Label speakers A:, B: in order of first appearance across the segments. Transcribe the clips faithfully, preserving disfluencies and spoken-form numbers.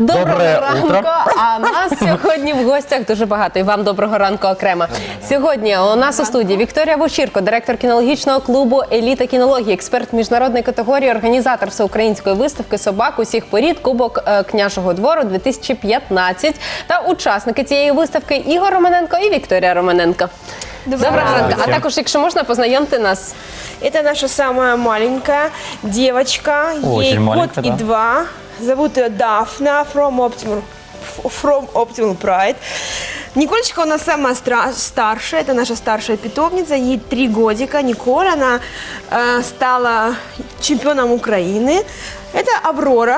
A: Доброго
B: Доброе
A: ранку.
B: утро.
A: А нас сьогодні в гостях дуже багато. І вам доброго ранку окремо. Сьогодні у нас у студії Вікторія Вовчірко, директор кінологічного клубу «Еліта кінології», експерт міжнародної категорії, організатор всеукраїнської виставки собак усіх порід «Кубок е, княжого двору дві тисячі п'ятнадцять» та учасники цієї виставки Ігор Романенко і Вікторія Романенко. Доброго ранку. А також, якщо можна, познайомте нас.
C: Это наша самая маленькая девочка,
B: Очень
C: ей
B: маленькая,
C: год и
B: да.
C: два. Зовут ее Дафна, from Optimal, from Optimal Pride. Николечка у нас самая стра- старшая, это наша старшая питомница, ей три годика. Николь, она э, стала чемпионом Украины. Это Аврора,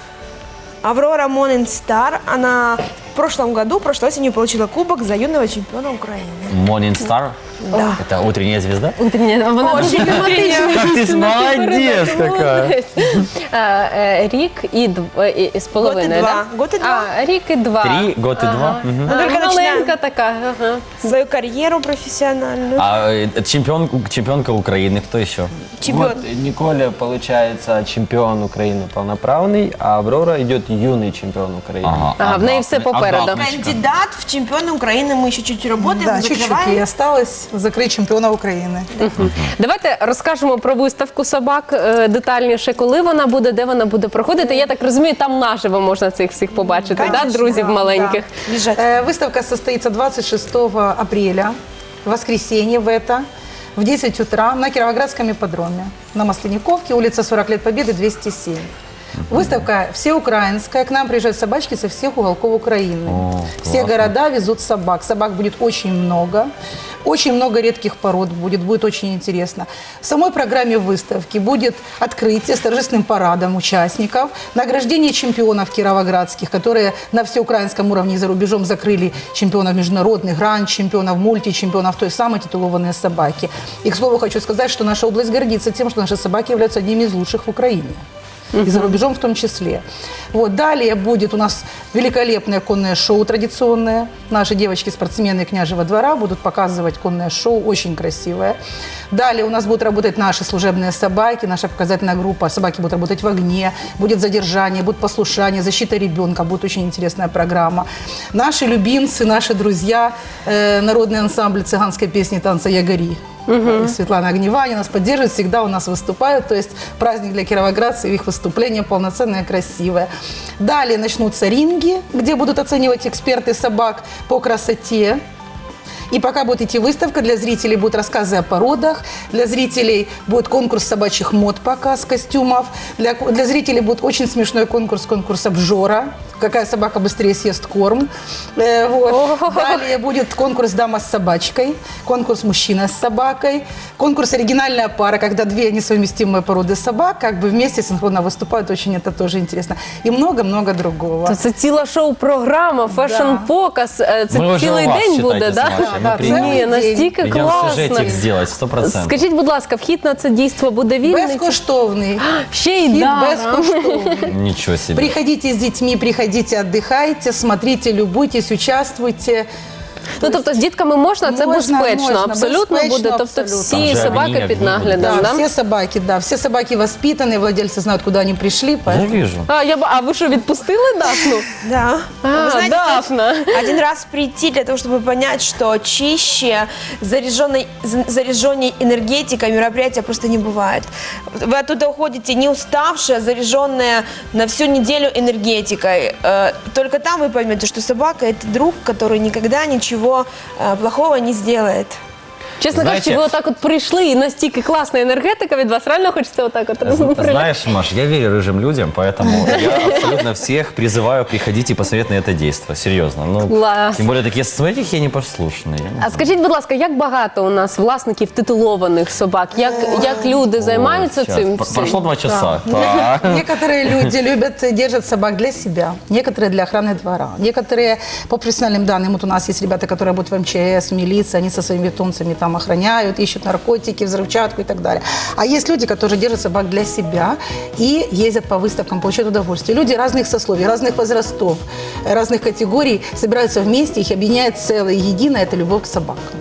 C: Аврора Morning Star. Она в прошлом году, прошлой осенью получила кубок за юного чемпиона Украины.
B: Morning Star?
C: Да.
B: Это утренняя звезда?
A: Вона дуже тематична.
B: Как ты молодец какая.
A: Е, Рік і дв- і- і з половиною,
C: два.
A: да?
C: Год і два.
A: А, рік і два.
B: Три, год и два. Мгм.
A: А,
C: Только
A: маленька
C: начинаем.
A: така. Ага.
C: Свою карьеру профессиональную.
B: А э, чемпион, чемпионка Украины, кто еще?
C: Чемпион.
D: Вот Николя, получается, чемпион Украины полноправный, а Аврора идет юный чемпион Украины.
A: Ага, в неї все попереду.
C: Кандидат в чемпионы Украины. Мы еще чуть работаем,
E: Да, чуть-чуть
C: закрываем.
E: и осталось закрыть чемпиона Украины.
A: Давайте розкажемо про виставку собак е, детальніше, коли вона буде, де вона буде проходити. Я так розумію, там наживо можна цих всіх побачити, да,
E: Конечно,
A: друзів
E: да,
A: маленьких.
C: Бежать.
E: Э, Выставка состоится двадцать шестого апреля, воскресенье в это, в десять утра на Кировоградском ипподроме, на Масленниковке, улица сорок лет Победы, двести семь. Выставка всеукраинская, к нам приезжают собачки со всех уголков Украины.
B: О,
E: Все
B: классно.
E: города везут собак. Собак будет очень много. Очень много редких пород будет, будет очень интересно. В самой программе выставки будет открытие с торжественным парадом участников, награждение чемпионов кировоградских, которые на всеукраинском уровне и за рубежом закрыли чемпионов международных, гранд-чемпионов, мульти-чемпионов, то есть самые титулованные собаки. И, к слову, хочу сказать, что наша область гордится тем, что наши собаки являются одними из лучших в Украине. И за рубежом в том числе. Вот. Далее будет у нас великолепное конное шоу традиционное. Наши девочки-спортсмены княжего двора будут показывать конное шоу, очень красивое. Далее у нас будут работать наши служебные собаки, наша показательная группа. Собаки будут работать в огне, будет задержание, будет послушание, защита ребенка. Будет очень интересная программа. Наши любимцы, наши друзья, э, народный ансамбль цыганской песни «Танца Ягори». Угу. Светлана Огневаня нас поддерживает, всегда у нас выступают. То есть праздник для кировоградцев, их выступление полноценное, красивое. Далее начнутся ринги, где будут оценивать эксперты собак по красоте. И пока будет идти выставка, для зрителей будут рассказы о породах, для зрителей будет конкурс собачьих мод, показ костюмов, для, для зрителей будет очень смешной конкурс, конкурс обжора, какая собака быстрее съест корм. Э, вот. Далее будет конкурс «Дама с собачкой», конкурс «Мужчина с собакой», конкурс «Оригинальная пара», когда две несовместимые породы собак как бы вместе синхронно выступают, очень это тоже интересно. И много-много другого.
A: То це ціла шоу-програма, фешн-показ, е, це
B: Мы уже
A: цілий
B: у вас,
A: день
B: считайте,
A: буде,
B: с
A: да?
B: Машей. Мы
E: Да,
B: приедем.
E: целый
A: Ні,
E: день.
A: настільки
B: Идем
A: класно.
B: сюжетик сделать, сто процентов.
A: Скажіть, будь ласка, вхід на це дійство буде вільний?
E: Безкоштовный.
A: Ще й
E: Вхід
A: даром.
E: безкоштовний.
B: Ничего себе.
E: Приходите с детьми, приходите, отдыхайте, смотрите, любуйтесь, участвуйте.
A: Ну, тобто з дітками можна, це
E: Можна,
A: безпечно,
E: можна,
A: абсолютно
E: безпечно,
A: буде. Тобто
E: абсолютно.
A: всі
B: Там же
A: собаки
B: огні,
A: під
B: огні
A: наглядом,
E: Да,
A: да?
E: все собаки, да, все собаки воспитанные, владельцы знают, куда они пришли,
B: Я
E: поэтому...
B: вижу.
A: А, я, б- а ви що, відпустили Дафну?
C: Да.
A: А,
C: Вы знаете,
A: Дафна.
C: стоит один раз прийти для того, чтобы понять, что чище, заряженной, за- заряженной энергетикой мероприятия просто не бывает. Вы оттуда уходите не уставшая, заряженная на всю неделю энергетикой. Э, Только там вы поймете, что собака – это друг, который никогда ничего э, плохого не сделает.
A: Чесно
B: Знаєте-
A: кажучи, ви отак от прийшли і настільки класна енергетика від вас, реально хочеться отак от.
B: Знаешь, Маш, я верю рыжим людям, поэтому я абсолютно всех призываю приходить и посмотреть на это действо. Серьезно. Ну,
A: Класс.
B: тем более такие, смотрите, какие они послушные. Я не
A: А скажіть, будь ласка, як багато у нас власників титулованих собак? Як, як люди займаються
B: Сейчас.
A: цим?
B: П-
A: всім?
B: Прошло два часа. Так.
E: Некоторые люди любят, держат собак для себя, некоторые для охраны двора, некоторые по профессиональным данным. Вот у нас есть ребята, которые работают в эм че эс, в милиции, они со своими питомцами там охраняют, ищут наркотики, взрывчатку и так далее. А есть люди, которые держат собак для себя и ездят по выставкам, получают удовольствие. Люди разных сословий, разных возрастов, разных категорий собираются вместе, их объединяет целое, единое – это любовь к собакам.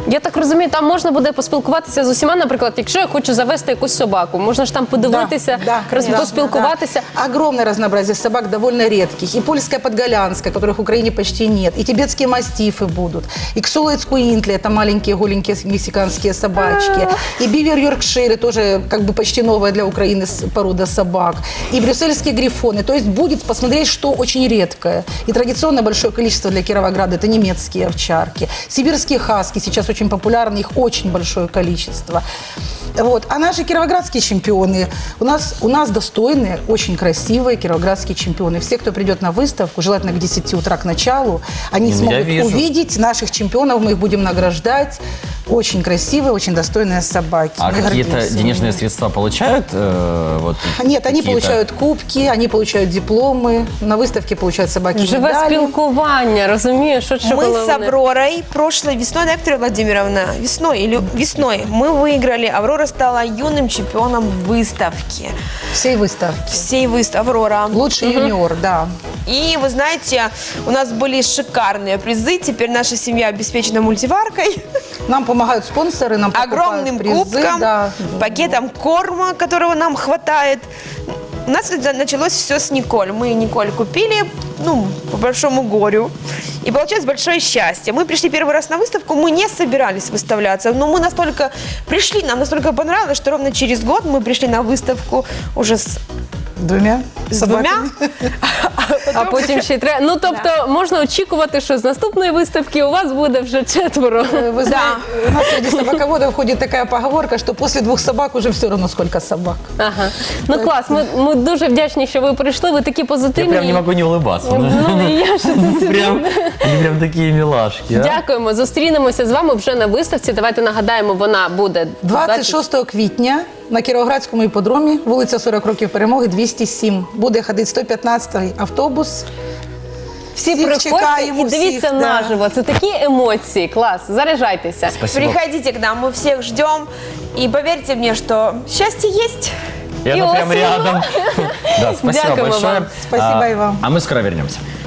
A: Я так розумію, там можна буде поспілкуватися з усіма, наприклад, якщо я хочу завести якусь собаку, можна ж там подивитися,
E: Да, да,
A: роз-
E: конечно,
A: поспілкуватися.
E: да. Огромное разнообразие собак, довольно редких. И польская подголянская, которых в Украине почти нет. И тибетские мастифы будут. И ксулоицкуинтли, это маленькие голенькие мексиканские собачки. И бивер йоркширы, тоже как бы почти новая для Украины с- порода собак. И брюссельские грифоны. То есть будет посмотреть, что очень редкое. И традиционно большое количество для Кировограда – это немецкие овчарки. Сибирские хаски сейчас очень популярны, их очень большое количество. Вот. А наши кировоградские чемпионы, у нас, у нас достойные, очень красивые кировоградские чемпионы. Все, кто придет на выставку, желательно к десяти утра к началу, они
B: Ну, я
E: смогут
B: вижу.
E: увидеть наших чемпионов, мы их будем награждать. Очень красивые, очень достойные собаки.
B: А
E: Мы
B: какие-то
E: гордимся
B: денежные
E: ими.
B: средства получают? э, вот,
E: Нет, они
B: какие-то?
E: получают кубки, они получают дипломы, на выставке получают собаки
A: Живе
E: медали.
A: спілкування, розумієш, що що
C: Мы
A: коли
C: с
A: вони-
C: Авророй прошлой весной, да, Виктория Владимировна, весной или весной мы выиграли. Аврора стала юным чемпионом выставки.
E: Всей выставки.
C: Всей выставки. Аврора.
E: Лучший юниор, да.
C: И вы знаете, у нас были шикарные призы. Теперь наша семья обеспечена мультиваркой,
E: Нам помогают спонсоры, нам покупают
C: огромным
E: призы,
C: кубком,
E: да.
C: пакетом корма, которого нам хватает. У нас это началось все с Николь. Мы Николь купили, ну, по большому горю. И получилось большое счастье. Мы пришли первый раз на выставку, мы не собирались выставляться, но мы настолько пришли, нам настолько понравилось, что ровно через год мы пришли на выставку уже с,
E: Двумя
C: с
E: собаками.
C: двумя.
A: А потім ще й треба. Ну тобто можна очікувати, що з наступної виставки у вас буде вже четверо.
E: Э, Вы знаете, у нас среди собаководов ходит такая поговорка, что после двух собак уже все равно сколько собак.
A: Ага. Ну клас, ми, ми дуже вдячні, що ви прийшли. Ви такі
B: Я
A: позитивні.
B: прям не могу не улыбаться.
A: Ну, і я ж це
B: Прям, они прям такие милашки. а.
A: Дякуємо. Зустрінемося з вами вже на виставці. Давайте нагадаємо, вона буде
E: двадцять шостого квітня на Кіровоградському іпподромі, вулиця сорок років Перемоги, двісті сім. Буде ходити сто п'ятнадцятий автобус.
A: Всі
E: всіх
A: приходьте
E: чекаємо,
A: і дивіться
E: всіх, да.
A: наживо. Це такі емоції. Клас. Заряджайтеся.
B: Спасибо.
C: Приходите к нам, мы всех ждем. И поверьте мне, что счастье есть.
B: И
A: И
B: оно прям
A: осень.
B: рядом. Да, спасибо
A: Дякуємо
B: большое.
A: вам.
E: Спасибо
B: А,
E: и вам.
B: А мы скоро вернемся.